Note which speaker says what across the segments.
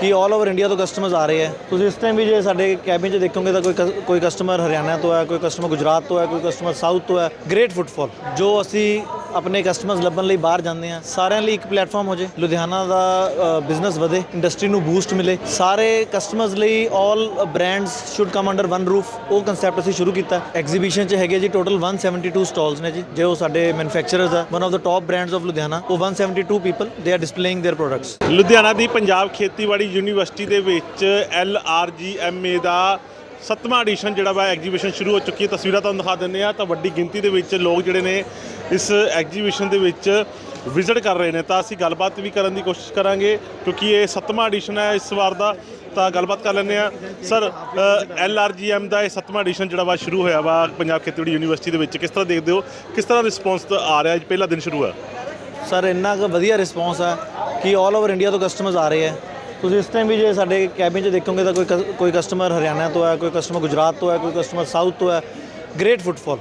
Speaker 1: ਕਿ all over India ਤੋਂ customers ਆ ਰਹੇ ਹੈ। ਤੁਸੀਂ ਇਸ ਟਾਈਮ ਵੀ ਜੇ ਸਾਡੇ ਕੈਬਿਨ 'ਚ ਦੇਖੋਗੇ ਤਾਂ ਕੋਈ ਕਸਟਮਰ ਹਰਿਆਣਾ ਤੋਂ ਹੈ, ਕੋਈ ਕਸਟਮਰ ਗੁਜਰਾਤ ਤੋਂ ਹੈ, ਕੋਈ ਕਸਟਮਰ ਸਾਊਥ ਤੋਂ ਹੈ। ਗ੍ਰੇਟ ਫੁੱਟਫਾਲ ਜੋ ਅਸੀਂ ਆਪਣੇ ਕਸਟਮਰਸ ਲੱਭਣ ਲਈ ਬਾਹਰ ਜਾਂਦੇ ਹਾਂ, ਸਾਰਿਆਂ ਲਈ ਇੱਕ ਪਲੇਟਫਾਰਮ ਹੋ ਜੇ। ਲੁਧਿਆਣਾ ਦਾ ਬਿਜ਼ਨਸ ਵਧੇ, ਇੰਡਸਟਰੀ ਨੂੰ ਬੂਸਟ ਮਿਲੇ, ਸਾਰੇ ਕਸਟਮਰਸ ਲਈ all brands should come under one roof, ਉਹ ਕਨਸੈਪਟ ਅਸੀਂ ਸ਼ੁਰੂ ਕੀਤਾ। ਐਗਜ਼ੀਬਿਸ਼ਨ 'ਚ ਹੈਗੇ ਜੀ ਟੋਟਲ 172 ਸਟਾਲਸ ਨੇ ਜੀ, ਜੋ ਸਾਡੇ ਮੈਨੂਫੈਕਚਰਰਸ ਆ, one of the top brands of Ludhiana. ਉਹ 172 people they are displaying their products.
Speaker 2: Ludhiana ਦੀ ਪੰਜਾਬ ਖੇਤੀਬਾੜੀ ਯੂਨੀਵਰਸਿਟੀ ਦੇ ਵਿੱਚ LRGMA ਦਾ 7ਵਾਂ ਐਡੀਸ਼ਨ ਜਿਹੜਾ ਵਾ ਐਗਜੀਬਿਸ਼ਨ ਸ਼ੁਰੂ ਹੋ ਚੁੱਕੀ ਹੈ। ਤਸਵੀਰਾਂ ਤੁਹਾਨੂੰ ਦਿਖਾ ਦਿੰਦੇ ਆ ਤਾਂ ਵੱਡੀ ਗਿਣਤੀ ਦੇ ਵਿੱਚ ਲੋਕ ਜਿਹੜੇ ਨੇ ਇਸ ਐਗਜੀਬਿਸ਼ਨ ਦੇ ਵਿੱਚ ਵਿਜ਼ਿਟ ਕਰ ਰਹੇ ਨੇ। ਤਾਂ ਅਸੀਂ ਗੱਲਬਾਤ ਵੀ ਕਰਨ ਦੀ ਕੋਸ਼ਿਸ਼ ਕਰਾਂਗੇ ਕਿਉਂਕਿ ਇਹ 7ਵਾਂ ਐਡੀਸ਼ਨ ਹੈ ਇਸ ਵਾਰ ਦਾ। ਤਾਂ ਗੱਲਬਾਤ ਕਰ ਲੈਂਦੇ ਆ। ਸਰ, LRGM ਦਾ ਇਹ 7ਵਾਂ ਐਡੀਸ਼ਨ ਜਿਹੜਾ ਵਾ ਸ਼ੁਰੂ ਹੋਇਆ ਵਾ ਪੰਜਾਬ ਖੇਤੀਬਾੜੀ ਯੂਨੀਵਰਸਿਟੀ ਦੇ ਵਿੱਚ, ਕਿਸ ਤਰ੍ਹਾਂ ਦੇਖਦੇ ਹੋ, ਕਿਸ ਤਰ੍ਹਾਂ ਰਿਸਪੌਂਸ ਆ ਰਿਹਾ? ਪਹਿਲਾ ਦਿਨ ਸ਼ੁਰੂ ਹੋਇਆ
Speaker 1: ਸਰ, ਇੰਨਾ ਕੁ ਵਧੀਆ ਰਿਸਪੌਂਸ ਹੈ ਕਿ ਆਲ ਓਵਰ ਇੰਡੀਆ ਤੋਂ ਕਸਟਮਰਸ ਆ ਰਹੇ ਹੈ। ਤੁਸੀਂ ਇਸ ਟਾਈਮ ਵੀ ਜੇ ਸਾਡੇ ਕੈਬਿਨ 'ਚ ਦੇਖੋਗੇ ਤਾਂ ਕੋਈ ਕਸਟਮਰ ਹਰਿਆਣਾ ਤੋਂ ਹੈ, ਕੋਈ ਕਸਟਮਰ ਗੁਜਰਾਤ ਤੋਂ ਹੈ, ਕੋਈ ਕਸਟਮਰ ਸਾਊਥ ਤੋਂ ਹੈ। Great footfall,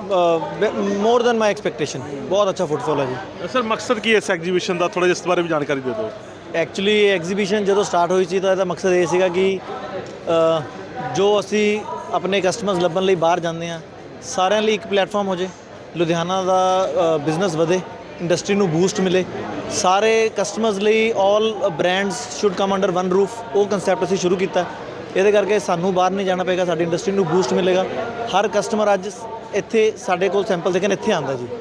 Speaker 1: more than my expectation. ਬਹੁਤ ਅੱਛਾ ਫੁੱਟਫਾਲ ਹੈ ਜੀ।
Speaker 2: ਸਰ, ਮਕਸਦ ਕੀ ਹੈ ਇਸ ਐਗਜੀਬਿਸ਼ਨ ਦਾ? ਥੋੜ੍ਹਾ ਜਿਹਾ ਇਸ ਬਾਰੇ ਵੀ ਜਾਣਕਾਰੀ ਦੇ ਦਿਓ।
Speaker 1: ਐਕਚੁਅਲੀ ਇਹ ਐਗਜ਼ੀਬਿਸ਼ਨ ਜਦੋਂ ਸਟਾਰਟ ਹੋਈ ਸੀ ਤਾਂ ਇਹਦਾ ਮਕਸਦ ਇਹ ਸੀਗਾ ਕਿ ਜੋ ਅਸੀਂ ਆਪਣੇ ਕਸਟਮਰਸ ਲੱਭਣ ਲਈ ਬਾਹਰ ਜਾਂਦੇ ਹਾਂ, ਸਾਰਿਆਂ ਲਈ ਇੱਕ ਪਲੇਟਫਾਰਮ ਹੋ ਜੇ। ਲੁਧਿਆਣਾ ਦਾ ਬਿਜ਼ਨਸ ਵਧੇ, ਇੰਡਸਟਰੀ ਨੂੰ ਬੂਸਟ ਮਿਲੇ, ਸਾਰੇ ਕਸਟਮਰਸ ਲਈ all brands should come under one roof, ਉਹ ਕਨਸੈਪਟ ਅਸੀਂ ਸ਼ੁਰੂ ਕੀਤਾ। ਇਹਦੇ ਕਰਕੇ ਸਾਨੂੰ ਬਾਹਰ ਨਹੀਂ ਜਾਣਾ ਪਏਗਾ, ਸਾਡੀ ਇੰਡਸਟਰੀ ਨੂੰ ਬੂਸਟ ਮਿਲੇਗਾ। ਹਰ ਕਸਟਮਰ ਅੱਜ ਇੱਥੇ ਸਾਡੇ ਕੋਲ ਸੈਂਪਲ ਦੇਖਣ ਇੱਥੇ ਆਉਂਦਾ ਜੀ।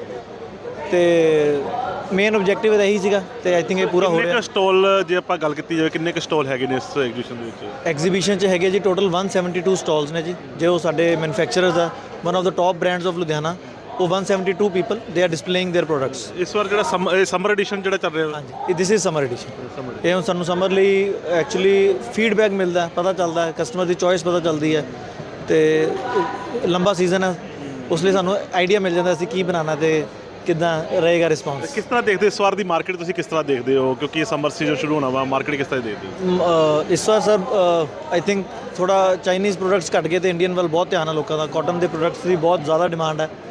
Speaker 1: ਤੇ ਮੇਨ ਆਬਜੈਕਟਿਵ ਇਹਦਾ ਇਹੀ ਸੀਗਾ ਤੇ ਆਈ ਥਿੰਕ ਇਹ ਪੂਰਾ ਹੋ ਰਿਹਾ।
Speaker 2: ਕਿੰਨੇ ਸਟਾਲ, ਜੇ ਆਪਾਂ ਗੱਲ ਕੀਤੀ ਜਾਵੇ, ਕਿੰਨੇ ਕੁ ਸਟਾਲ ਹੈਗੇ ਨੇ ਇਸ ਐਗਜੀਬਿਸ਼ਨ ਦੇ ਵਿੱਚ?
Speaker 1: ਐਗਜ਼ੀਬਿਸ਼ਨ 'ਚ ਹੈਗੇ ਜੀ ਟੋਟਲ 172 ਸਟਾਲਸ ਨੇ ਜੀ, ਜੋ ਸਾਡੇ ਮੈਨੂਫੈਕਚਰਰਸ ਆ, one of the top brands of Ludhiana. ਉਹ 172 people they are displaying their products.
Speaker 2: ਇਸ ਵਾਰ ਜਿਹੜਾ ਸਮਰ ਐਡੀਸ਼ਨ ਜਿਹੜਾ ਚੱਲ ਰਿਹਾ?
Speaker 1: ਹਾਂਜੀ, ਦਿਸ ਇਜ਼ ਸਮਰ ਐਡੀਸ਼ਨ। ਇਹ ਹੁਣ ਸਾਨੂੰ ਸਮਰ ਲਈ ਐਕਚੁਅਲੀ ਫੀਡਬੈਕ ਮਿਲਦਾ, ਪਤਾ ਚੱਲਦਾ ਹੈ, ਕਸਟਮਰ ਦੀ ਚੋਇਸ ਪਤਾ ਚੱਲਦੀ ਹੈ। ਤੇ ਲੰਬਾ ਸੀਜ਼ਨ ਹੈ, ਉਸ ਲਈ ਸਾਨੂੰ ਆਈਡੀਆ ਮਿਲ ਜਾਂਦਾ ਅਸੀਂ ਕੀ ਬਣਾਉਣਾ ਤੇ ਕਿੱਦਾਂ ਰਹੇਗਾ ਰਿਸਪੌਂਸ।
Speaker 2: ਕਿਸ ਤਰ੍ਹਾਂ ਦੇਖਦੇ ਇਸ ਵਾਰ ਦੀ ਮਾਰਕੀਟ, ਤੁਸੀਂ ਕਿਸ ਤਰ੍ਹਾਂ ਦੇਖਦੇ ਹੋ? ਕਿਉਂਕਿ ਇਹ ਸਮਰ ਸੀਜ਼ਨ ਸ਼ੁਰੂ ਹੋਣਾ ਵਾ, ਮਾਰਕੀਟ ਕਿਸ ਤਰ੍ਹਾਂ ਦੇਖਦੇ ਹੋ?
Speaker 1: ਇਸ ਵਾਰ ਸਰ ਆਈ ਥਿੰਕ ਥੋੜ੍ਹਾ ਚਾਈਨੀਜ਼ ਪ੍ਰੋਡਕਟਸ ਘੱਟ ਗਏ ਤੇ ਇੰਡੀਅਨ ਵੱਲ ਬਹੁਤ ਧਿਆਨ ਹੈ ਲੋਕਾਂ ਦਾ। ਕਾਟਨ ਦੇ ਪ੍ਰੋਡਕਟਸ ਦੀ ਬਹੁਤ ਜ਼ਿਆਦਾ ਡਿਮਾਂਡ ਹੈ।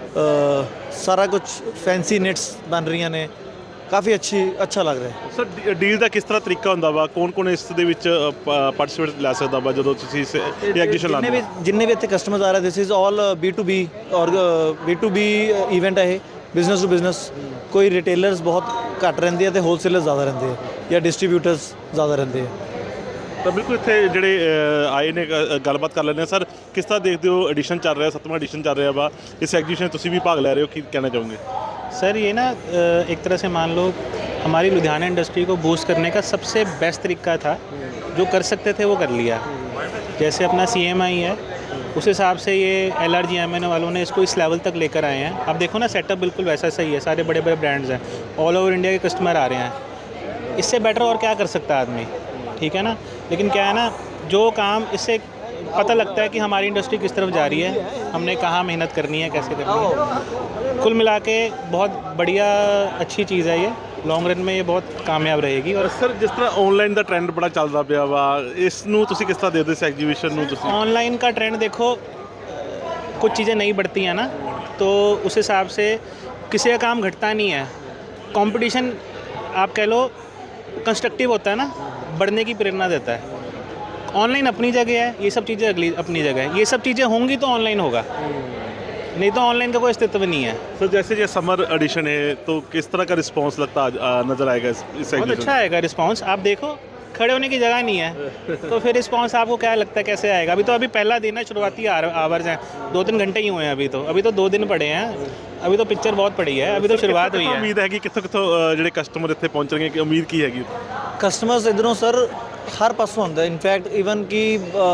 Speaker 1: ਸਾਰਾ ਕੁਝ ਫੈਂਸੀ ਨਿਟਸ ਬਣ ਰਹੀਆਂ ਨੇ, ਕਾਫੀ ਅੱਛਾ ਲੱਗ ਰਿਹਾ।
Speaker 2: ਸਰ, ਡੀਲ ਦਾ ਕਿਸ ਤਰ੍ਹਾਂ ਤਰੀਕਾ ਹੁੰਦਾ ਵਾ? ਕੌਣ ਇਸ ਦੇ ਵਿੱਚ ਪਾਰਟਿਸਿਪੇਟ ਲੈ ਸਕਦਾ ਵਾ ਜਦੋਂ ਤੁਸੀਂ ਇਸ ਐਗਜੀਬਿਸ਼ਨ ਲਾਉਂਦੇ ਹੋ?
Speaker 1: ਜਿੰਨੇ ਵੀ ਇੱਥੇ ਕਸਟਮਰਸ ਆ ਰਹੇ, ਦਿਸ ਇਜ਼ ਆਲ B2B ਔਰ B2B ਇਵੈਂਟ ਹੈ ਇਹ, ਬਿਜ਼ਨਸ ਟੂ ਬਿਜ਼ਨਸ। ਕੋਈ ਰਿਟੇਲਰਸ ਬਹੁਤ ਘੱਟ ਰਹਿੰਦੇ ਆ ਤੇ ਹੋਲਸੇਲਰਸ ਜ਼ਿਆਦਾ ਰਹਿੰਦੇ ਆ, ਜਾਂ ਡਿਸਟਰੀਬਿਊਟਰਸ ਜ਼ਿਆਦਾ ਰਹਿੰਦੇ ਆ।
Speaker 2: ਤਾਂ ਬਿਲਕੁਲ ਇੱਥੇ ਜਿਹੜੇ ਆਏ ਨੇ ਗੱਲਬਾਤ ਕਰ ਲੈਂਦੇ ਹਾਂ। ਸਰ, ਕਿਸ ਤਰ੍ਹਾਂ ਦੇਖਦੇ ਹੋ ਐਡੀਸ਼ਨ ਚੱਲ ਰਿਹਾ, 7ਵਾਂ ਐਡੀਸ਼ਨ ਚੱਲ ਰਿਹਾ ਵਾ, ਇਸ ਐਗਜੀਬਿਸ਼ਨ ਤੁਸੀਂ ਵੀ ਭਾਗ ਲੈ ਰਹੇ ਹੋ, ਕੀ ਕਹਿਣਾ ਚਾਹੋਗੇ?
Speaker 3: सर, ये ना एक तरह से मान लो हमारी लुधियाना इंडस्ट्री को बूस्ट करने का सबसे बेस्ट तरीका था। जो कर सकते थे वो कर लिया। जैसे अपना CMI है, उस हिसाब से ये LRGMA वालों ने इसको इस लेवल तक लेकर आए हैं। अब देखो ना, सेटअप बिल्कुल वैसा सही है, सारे बड़े बड़े ब्रांड्स हैं, ऑल ओवर इंडिया के कस्टमर आ रहे हैं। इससे बेटर और क्या कर सकता है आदमी, ठीक है ना? लेकिन क्या है ना, जो काम इससे पता लगता है कि हमारी इंडस्ट्री किस तरफ जा रही है, हमने कहाँ मेहनत करनी है, कैसे करनी है। कुल मिला के बहुत बढ़िया अच्छी चीज़ है ये। ਲੌਂਗ ਰਨ में ये बहुत कामयाब रहेगी। और
Speaker 2: ਸਰ, ਜਿਸ ਤਰ੍ਹਾਂ ਆਨਲਾਈਨ ਦਾ ਟ੍ਰੈਂਡ ਬੜਾ ਚੱਲਦਾ ਪਿਆ ਵਾ, ਇਸ ਨੂੰ ਤੁਸੀਂ ਕਿਸ ਤਰ੍ਹਾਂ ਦੇਖਦੇ ਹੋ? ਇਸ ਐਗਜੀਬਿਸ਼ਨ ਨੂੰ ਤੁਸੀਂ
Speaker 3: ऑनलाइन का ट्रेंड देखो, कुछ चीज़ें नहीं बढ़ती हैं ना, तो उस हिसाब से किसी का काम घटता नहीं है। कंपटीशन आप कह लो कंस्ट्रक्टिव होता है ना, बढ़ने की प्रेरणा देता है। ऑनलाइन अपनी जगह है, ये सब चीज़ें अगली अपनी जगह है। ये सब चीज़ें होंगी तो ऑनलाइन होगा, नहीं तो ऑनलाइन का कोई अस्तित्व नहीं है।
Speaker 2: सर, जैसे ये समर एडिशन है तो किस तरह का रिस्पांस लगता नज़र आएगा इस
Speaker 3: बहुत
Speaker 2: एग्जीबिशन?
Speaker 3: अच्छा आएगा रिस्पांस। आप देखो, खड़े होने की जगह नहीं है तो फिर रिस्पांस आपको क्या लगता है कैसे आएगा? अभी पहला दिन है, शुरुआती आवर्स हैं, 2-3 घंटे ही हुए हैं। अभी तो 2 दिन पड़े हैं, अभी तो पिक्चर बहुत पड़ी है, अभी तो शुरुआत हुई है।
Speaker 2: उम्मीद है कि कितों ਜਿਹੜੇ ਕਸਟਮਰ ਇੱਥੇ ਪਹੁੰਚਣਗੇ, ਕਿ ਉਮੀਦ ਕੀ ਹੈਗੀ?
Speaker 1: ਕਸਟਮਰਸ ਇੱਧਰੋਂ ਸਰ ਹਰ ਪਾਸੋਂ ਆਉਂਦਾ। ਇਨਫੈਕਟ ਈਵਨ ਕਿ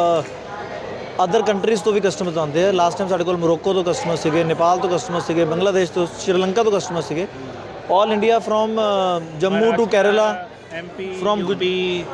Speaker 1: ਅਦਰ ਕੰਟਰੀਜ਼ ਤੋਂ ਵੀ ਕਸਟਮਰਸ ਆਉਂਦੇ ਆ। ਲਾਸਟ ਟਾਈਮ ਸਾਡੇ ਕੋਲ ਮੋਰੋਕੋ ਤੋਂ ਕਸਟਮਰ ਸੀਗੇ, ਨੇਪਾਲ ਤੋਂ ਕਸਟਮਰ ਸੀਗੇ, ਬੰਗਲਾਦੇਸ਼ ਤੋਂ, ਸ਼੍ਰੀਲੰਕਾ ਤੋਂ ਕਸਟਮਰ ਸੀਗੇ। All India from Jammu to Kerala,
Speaker 3: MP,
Speaker 1: from
Speaker 3: UP,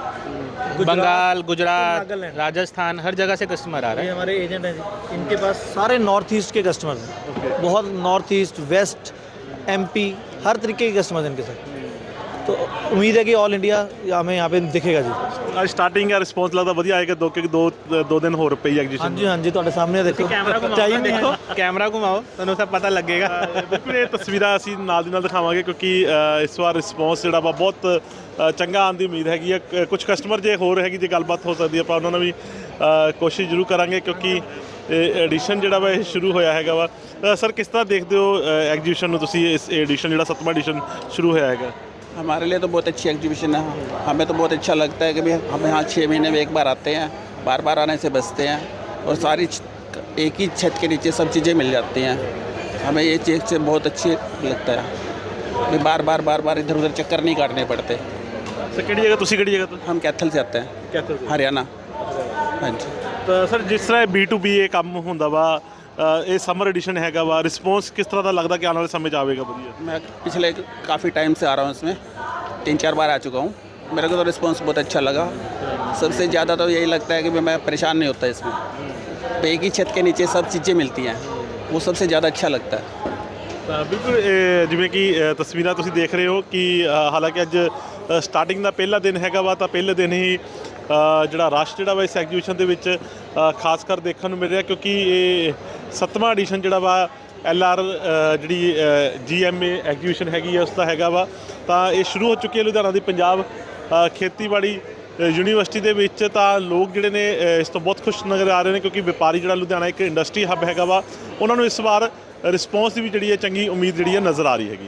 Speaker 3: Bengal, Gujarat, Rajasthan, हर जगह से कस्टमर आ रहे
Speaker 1: ये
Speaker 3: हैं।
Speaker 1: हमारे एजेंट हैं जी, इनके पास सारे नॉर्थ ईस्ट के कस्टमर्स हैं। बहुत नॉर्थ ईस्ट, वेस्ट, MP, हर तरीके के कस्टमर्स इनके साथ। तो उम्मीद है कि ऑल इंडिया हमें यहाँ पे दिखेगा जी।
Speaker 2: ਅੱਜ ਸਟਾਰਟਿੰਗ ਹੈ, ਰਿਸਪੌਂਸ ਲੱਗਦਾ ਵਧੀਆ ਆਏਗਾ। ਦੋ ਦਿਨ ਹੋਰ ਪਈ
Speaker 1: हाँ
Speaker 2: ਐਗਜੀਬਿਸ਼ਨ।
Speaker 1: जी हाँ जी, ਤੁਹਾਡੇ ਸਾਹਮਣੇ ਦੇਖੋ
Speaker 3: कैमरा घुमाओ, देखो कैमरा घुमाओ, ਤੁਹਾਨੂੰ ਸਭ ਪਤਾ ਲੱਗੇਗਾ।
Speaker 2: ਬਿਲਕੁਲ ਇਹ ਤਸਵੀਰਾਂ ਅਸੀਂ ਨਾਲ ਦੀ ਨਾਲ ਦਿਖਾਵਾਂਗੇ ਕਿਉਂਕਿ ਇਸ ਵਾਰ ਰਿਸਪੌਂਸ ਜਿਹੜਾ ਵਾ ਬਹੁਤ ਚੰਗਾ ਆਉਣ ਦੀ ਉਮੀਦ ਹੈਗੀ ਹੈ। ਕੁਝ ਕਸਟਮਰ ਜੇ ਹੋਰ ਹੈਗੀ ਜੇ ਗੱਲਬਾਤ ਹੋ ਸਕਦੀ ਆਪਾਂ ਉਹਨਾਂ ਨਾਲ ਵੀ ਕੋਸ਼ਿਸ਼ ਜ਼ਰੂਰ ਕਰਾਂਗੇ ਕਿਉਂਕਿ ਐਡੀਸ਼ਨ ਜਿਹੜਾ ਵਾ ਇਹ ਸ਼ੁਰੂ ਹੋਇਆ ਹੈਗਾ ਵਾ। ਸਰ ਕਿਸ ਤਰ੍ਹਾਂ ਦੇਖਦੇ ਹੋ ਐਗਜੀਬਿਸ਼ਨ ਨੂੰ ਤੁਸੀਂ? ਇਸ ਐਡੀਸ਼ਨ ਜਿਹੜਾ 7ਵਾਂ ਐਡੀਸ਼ਨ ਸ਼ੁਰੂ ਹੋਇਆ ਹੈਗਾ।
Speaker 4: हमारे लिए तो बहुत अच्छी एग्जीबिशन है। हमें तो बहुत अच्छा लगता है कि भाई हम यहाँ 6 महीने में एक बार आते हैं, बार बार आने से बचते हैं और सारी एक ही छत के नीचे सब चीज़ें मिल जाती हैं। हमें ये चीज़ से बहुत अच्छी लगता है कि बार बार इधर उधर चक्कर नहीं काटने पड़ते।
Speaker 2: ਸਰ ਕਿਹੜੀ ਜਗ੍ਹਾ ਤੁਸੀਂ ਕਿਹੜੀ ਜਗ੍ਹਾ ਤੋਂ?
Speaker 4: हम कैथल से आते हैं,
Speaker 2: ਕੈਥਲ ਤੋਂ।
Speaker 4: हरियाणा। हाँ जी।
Speaker 2: ਤਾਂ ਸਰ ਜਿਸ ਤਰ੍ਹਾਂ B2B ਇਹ ਕੰਮ ਹੁੰਦਾ ਵਾ, ਇਹ ਸਮਰ ਐਡੀਸ਼ਨ ਹੈਗਾ ਵਾ, ਰਿਸਪੌਂਸ ਕਿਸ ਤਰ੍ਹਾਂ ਦਾ ਲੱਗਦਾ ਕਿ ਆਉਣ ਵਾਲੇ ਸਮੇਂ 'ਚ ਆਵੇਗਾ ਵਧੀਆ?
Speaker 4: मैं पिछले काफ़ी टाइम से आ रहा हूँ इसमें, 3-4 बार आ चुका हूँ। मेरे को तो रिस्पॉन्स बहुत अच्छा लगा। सबसे ज़्यादा तो यही लगता है कि मैं परेशान नहीं होता इसमें। तो एक ही छत के नीचे सब चीज़ें मिलती हैं, वो सबसे ज़्यादा अच्छा लगता है।
Speaker 2: ਤਾਂ ਬਿਲਕੁਲ ਜਿਵੇਂ ਕਿ ਤਸਵੀਰਾਂ ਤੁਸੀਂ ਦੇਖ ਰਹੇ ਹੋ ਕਿ ਹਾਲਾਂਕਿ ਅੱਜ ਸਟਾਰਟਿੰਗ ਦਾ ਪਹਿਲਾ ਦਿਨ ਹੈਗਾ ਵਾ, ਤਾਂ ਪਹਿਲੇ ਦਿਨ ਹੀ ਜਿਹੜਾ ਰਸ਼ ਜਿਹੜਾ ਵਾ ਇਸ ਐਗਜੀਬਿਸ਼ਨ ਦੇ ਵਿੱਚ ਖਾਸ ਕਰ ਦੇਖਣ ਨੂੰ ਮਿਲ ਰਿਹਾ ਕਿਉਂਕਿ ਇਹ 7ਵਾਂ ਐਡੀਸ਼ਨ ਜਿਹੜਾ ਵਾ LR ਜਿਹੜੀ GMA ਐਗਜੀਬਿਸ਼ਨ ਹੈਗੀ ਹੈ ਉਸ ਦਾ ਹੈਗਾ ਵਾ। ਤਾਂ ਇਹ ਸ਼ੁਰੂ ਹੋ ਚੁੱਕੀ ਹੈ ਲੁਧਿਆਣਾ ਦੀ ਪੰਜਾਬ ਖੇਤੀਬਾੜੀ ਯੂਨੀਵਰਸਿਟੀ ਦੇ ਵਿੱਚ। ਤਾਂ ਲੋਕ ਜਿਹੜੇ ਨੇ ਇਸ ਤੋਂ ਬਹੁਤ ਖੁਸ਼ ਨਜ਼ਰ ਆ ਰਹੇ ਨੇ ਕਿਉਂਕਿ ਵਪਾਰੀ ਜਿਹੜਾ ਲੁਧਿਆਣਾ ਇੱਕ ਇੰਡਸਟਰੀ ਹੱਬ ਹੈਗਾ ਵਾ, ਉਹਨਾਂ ਨੂੰ ਇਸ ਵਾਰ ਰਿਸਪੌਂਸ ਦੀ ਵੀ ਜਿਹੜੀ ਹੈ ਚੰਗੀ ਉਮੀਦ ਜਿਹੜੀ ਹੈ ਨਜ਼ਰ ਆ ਰਹੀ ਹੈਗੀ।